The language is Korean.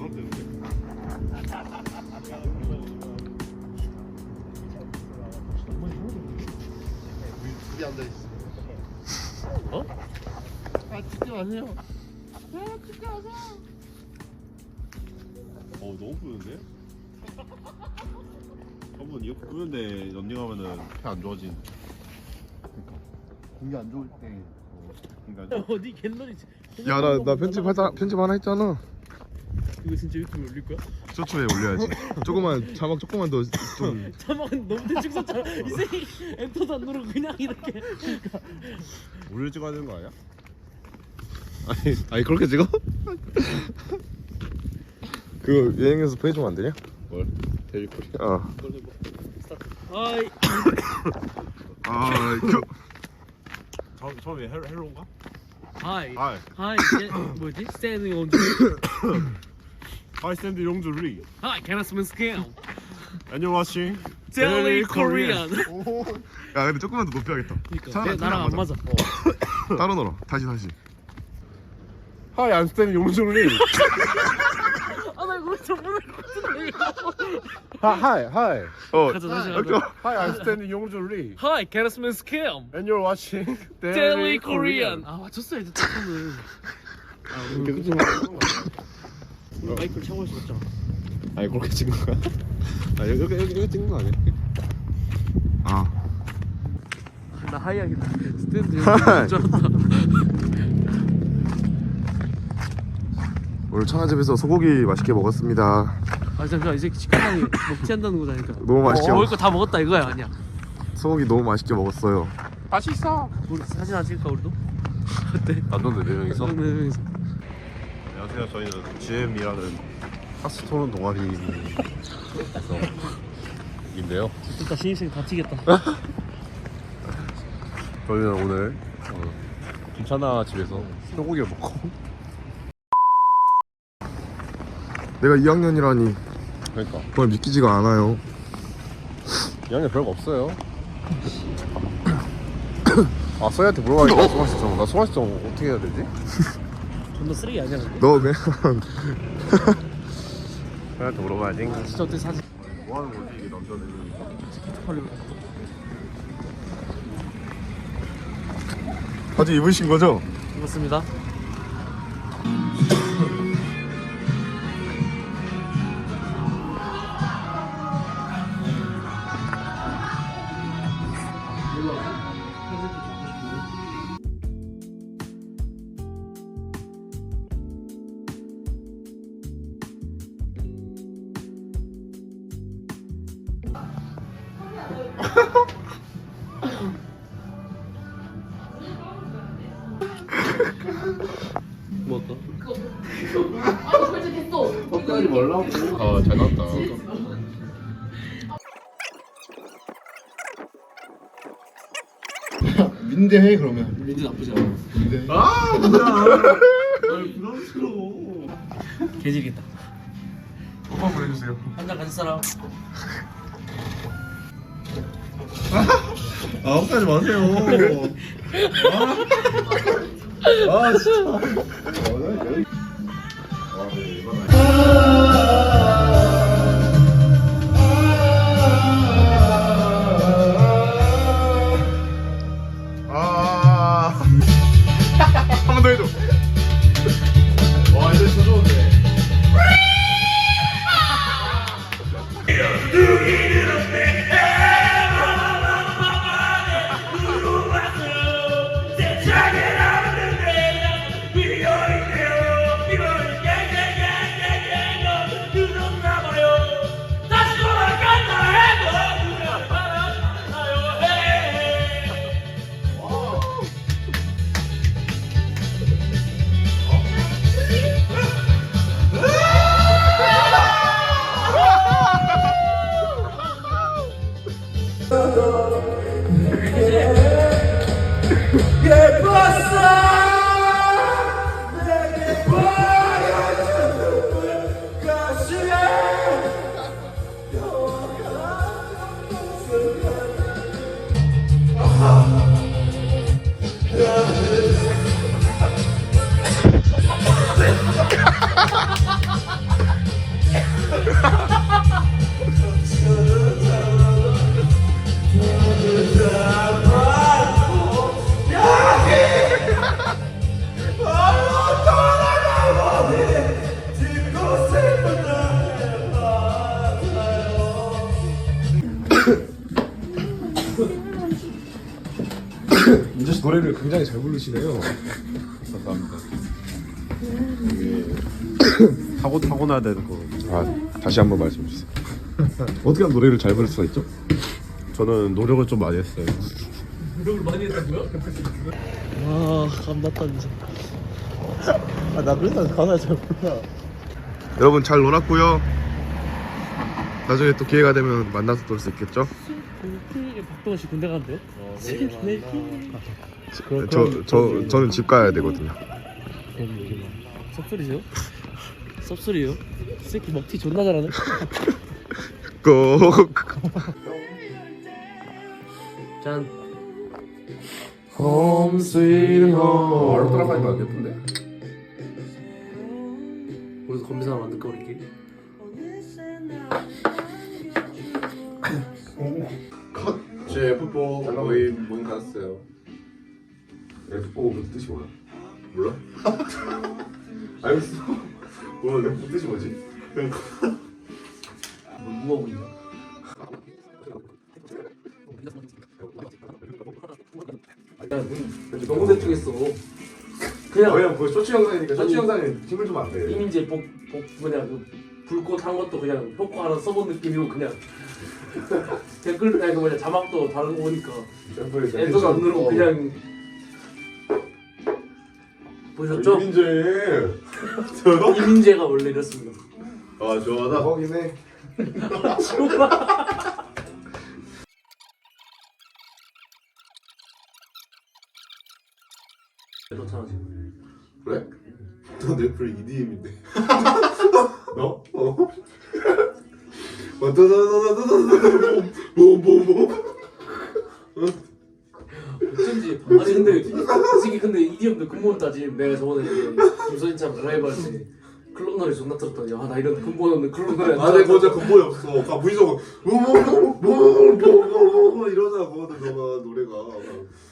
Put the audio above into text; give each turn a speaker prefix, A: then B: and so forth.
A: 되는데. 둘이 앉아 있어.
B: 어?
A: 아 찍지 마세요. 아 찍지 마세요. 너무 뿌는데? 한번 이렇게 뿌는데 런닝하면은 폐 안 좋아진. 그러니까 공기 안 좋을 때. 공기 안 좋을
B: 어디 갤러리지?
C: 야 나 편집 하나 했잖아.
B: 이거 진짜 유튜브에 올릴 거야?
C: 쇼츠에 올려야지. 조금만 자막 조금만 더 좀.
B: 자막은 너무 대충 썼잖아. 이 새끼 엔터도 안 누르고 그냥 이렇게.
A: 우리를 찍어야 되는 거 아니야?
C: 아니 그렇게 찍어? 그거 여행에서 보내주면 안 되냐?
A: 뭘? 데뷔콜이?
B: 스타트. 하이.
A: 처음에 헬로인가?
B: 하이.
A: 하이.
B: 하이. 뭐지? 스탠딩 온 줄.
A: 하이 샌드 용주리.
B: 하이. 캐나스맨 스캠.
A: 안녕하세요.
B: 델리 코리안.
C: 야 근데 조금만 더 높여야겠다.
B: 그러니까 나랑 안 맞아.
C: 따로 놀아. 다시.
A: 하이 안스탠드 용주리.
B: 나 이거 저번에 같은데.
A: 하이.
B: 가자 다시 가자.
A: 하이 안스탠드 용주리.
B: 하이. 캐나스맨 스캠.
A: And you're watching
B: 델리 코리안. 아 맞췄어 이제 조금은. 마이크를 차고 있어 맞잖아.
A: 아니 그렇게 찍은 거야? 아 여기 찍는 거 아니야?
B: 나 하이하겠다. 스탠드 여기 줄 알았다.
C: 오늘 청아집에서 소고기 맛있게 먹었습니다.
B: 아 잠시만 이 새끼 치킨당이 먹지 않다는 거잖아.
C: 너무 맛있게
B: 먹을 거 다 먹었다 이거야 아니야?
C: 소고기 너무 맛있게 먹었어요.
A: 맛있어.
B: 우리 사진 안 찍을까 우리도? 어때?
A: 남자들 4명이서?
B: 네 명이서.
A: 안녕하세요. 저희는 GM이라는 핫스토론 동아리에서 인데요.
B: 진짜 신입생 다 튀겠다.
A: 저희는 오늘 김찬아 집에서 소고기를 먹고
C: 내가 2학년이라니
A: 그러니까
C: 정말 믿기지가 않아요.
A: 이왕에 별거 없어요. 아 소희한테 물어봐야겠다. 소화시점. 나 소화시점 어떻게 해야 되지?
B: 존나 쓰레기 아니야 근데?
C: 너 그냥
A: 소희한테 물어봐야지.
B: 진짜 어때 사진?
A: 뭐 하는 거지 이게 남자는?
C: 바지 입으신 거죠?
B: 입었습니다. 뭐 할까?
A: 헛다리 말라고. 아 잘 나왔다. 민대해 그러면.
B: 민지 나쁘지 않아.
A: 민대. 아 뭐야? 아니 부담스러워.
B: 개질이겠다.
C: 오빠 보내주세요.
B: 한잔 가질 사람.
A: 아 헛다리 마세요. 아 진짜.
C: 한 번 더 해줘.
A: 와 이거 진짜 좋은데.
C: 노래를 굉장히 잘 부르시네요.
A: 감사합니다. 이게 타고나야 되는 거.
C: 아 다시 한번 말씀해 주세요. 어떻게 하면 노래를 잘 부를 수가 있죠?
A: 저는 노력을 좀 많이 했어요.
B: 노력을 많이 했다고요? 와 감났다 진짜.
A: 나 그래서 가사 잘 몰라.
C: 여러분 잘 놀았고요. 나중에 또 기회가 되면 만나서 놀 수 있겠죠?
B: 박동원 씨 군대 간대요?
C: 저는 집 가야 되거든요.
B: 섭소리세요? 섭소리요? 이 새끼 먹튀 존나 잘하네.
C: 꼭.
B: 짠.
C: Home sweet home.
D: 바로 따라가니까 안 예쁜데?
B: 우리도 건비사 만들까 우리끼리?
D: 제 F4 모임 갔어요.
C: F4 그 뜻이 뭐야?
D: 몰라?
C: 알겠어. 몰라 F 뜻이 뭐지?
B: 누가 보이냐?
D: 너무 대충했어.
B: 그냥
C: 그 쇼츠 영상이니까
B: 쇼츠
C: 영상에 힘을 주면 안 돼.
B: 이민재 그냥 그 불꽃 한 것도 그냥 효과 하나 써본 느낌이고 그냥 댓글 아니 그 뭐냐 자막도 다른 거 보니까 엔터도 안 누르고 그냥 보셨죠?
C: 이민재.
B: 이민재가 원래 이랬습니다.
A: 아 좋아하다.
C: 거긴 해.
B: 그렇잖아 지금.
C: 그래? 너 넷플 EDM인데. 너? 뭐뭐뭐
B: 어쩐지 아니 근데 솔직히 근데 EDM도 근본 따지면 내가 저번에 이제 김서진처럼 드라이브 할때 클럽 노래 존나 틀었더니 아 나 이런 근본 없는 클럽 노래 안
C: 아내
B: 좋아하잖아.
C: 거자 근본이 없어. 가 무의식적으로 뭐뭐뭐뭐뭐 이러잖아. 그거는 너가 노래가.